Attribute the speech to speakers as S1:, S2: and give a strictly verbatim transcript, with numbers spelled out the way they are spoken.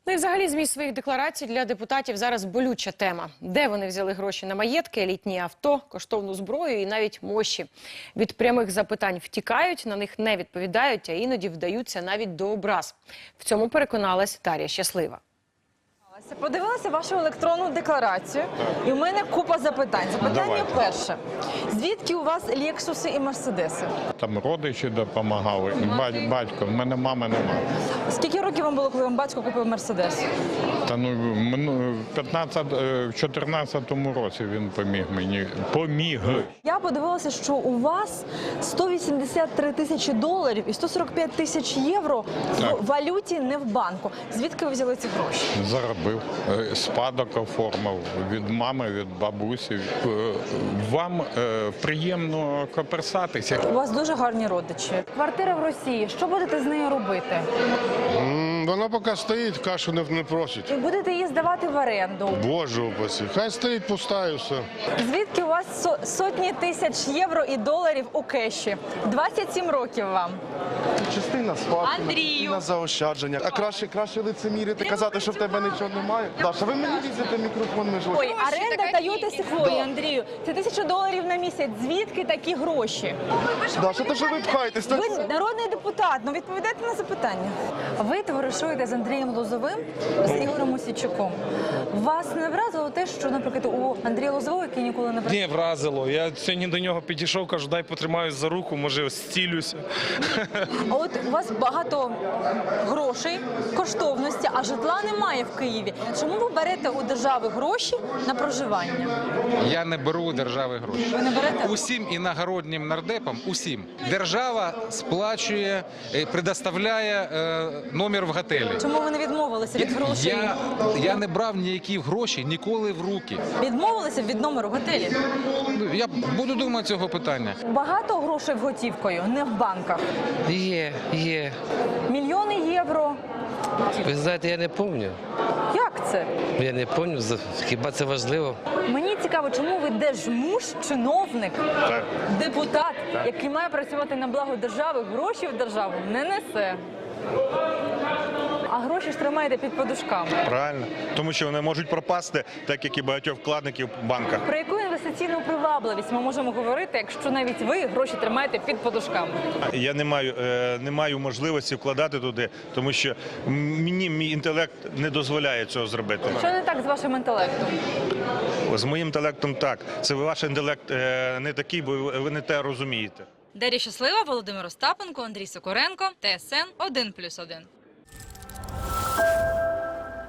S1: Ну і взагалі зміст своїх декларацій для депутатів зараз болюча тема. Де вони взяли гроші на маєтки, елітні авто, коштовну зброю і навіть мощі. Від прямих запитань втікають, на них не відповідають, а іноді вдаються навіть до образ. В цьому переконалась Дар'я Щаслива.
S2: Подивилася вашу електронну декларацію, і у мене купа запитань. Запитання
S3: Давайте.
S2: перше. Звідки у вас Лексуси і Мерседеси?
S3: Там родичі допомагали, і бать- батько. В мене мами немає.
S2: Скільки років вам було, коли вам батько купив Мерседес?
S3: Та ну мину- п'ятнадцять, е, в чотирнадцятому році він поміг мені. Поміг.
S2: Я подивилася, що у вас сто вісімдесят три тисячі доларів і сто сорок п'ять тисяч євро
S3: Так.
S2: в валюті, не в банку. Звідки ви взяли ці гроші?
S3: Заробив, Е, спадок оформив від мами, від бабусі. Е, Вам е, приємно коперсатися.
S2: У вас дуже гарні родичі. Квартира в Росії. Що будете з нею робити?
S4: М, Вона поки стоїть, кашу не, не просить.
S2: І будете її здавати в оренду.
S4: Боже упаси. Хай стоїть пуста і все.
S2: Звідки у вас со- сотні тисяч євро і доларів у кеші? двадцять сім років вам.
S5: Частина спадку,
S2: Андрію.
S5: частина заощадження. А краще, краще лицемірити, казати, що в тебе нічого немає. Даша, ви мені візите мікрофон між
S2: Ой,
S5: очі.
S2: оренда Тойоти Секвойї, Андрію. Це тисяча доларів на місяць. Звідки такі гроші?
S5: Даша, то що ви пхаєтесь? Та-
S2: Ви народний депутат, ну відповідайте на запитання. Ви товаришуєте з Андрієм Лозовим, з Ігорем Мосійчуком. Вас не вразило те, що, наприклад, у Андрія Лозового, який ніколи не
S6: Ні, вразило. Я сьогодні до нього підійшов, кажу, дай потримаюсь за руку, може зцілюся.
S2: А от у вас багато грошей, коштовності, а житла немає в Києві. Чому ви берете у держави гроші на проживання?
S7: Я не беру у держави гроші.
S2: Ви не берете?
S7: Усім іногороднім нардепам, усім, держава сплачує, е, предоставляє е, номер в готелі.
S2: Чому ви не відмовилися від грошей?
S7: Я, я не брав ніякі гроші ніколи в руки.
S2: Відмовилися від номеру в готелі?
S7: Ну, Я буду думати цього питання.
S2: Багато грошей готівкою, не в банках.
S8: Є, є.
S2: Мільйони євро.
S8: Ви знаєте, я не пам'ятаю.
S2: Як це?
S8: Я не пам'ятаю, хіба це важливо?
S2: Мені цікаво, чому ви держмуж, чиновник,
S4: Так.
S2: депутат, який має працювати на благо держави, гроші в державу не несе. А гроші ж тримаєте під подушками.
S9: Правильно, тому що вони можуть пропасти, так як і багатьох вкладників в банках.
S2: Про яку інвестиційну привабливість ми можемо говорити, якщо навіть ви гроші тримаєте під подушками?
S9: Я не маю, е, не маю можливості вкладати туди, тому що мені мій інтелект не дозволяє цього зробити.
S2: Що не так з вашим інтелектом?
S9: З моїм інтелектом так. Це ваш інтелект е, не такий, бо ви не те розумієте.
S10: Дар'я Щаслива, Володимир Остапенко, Андрій Сокоренко, Т С Н один плюс один.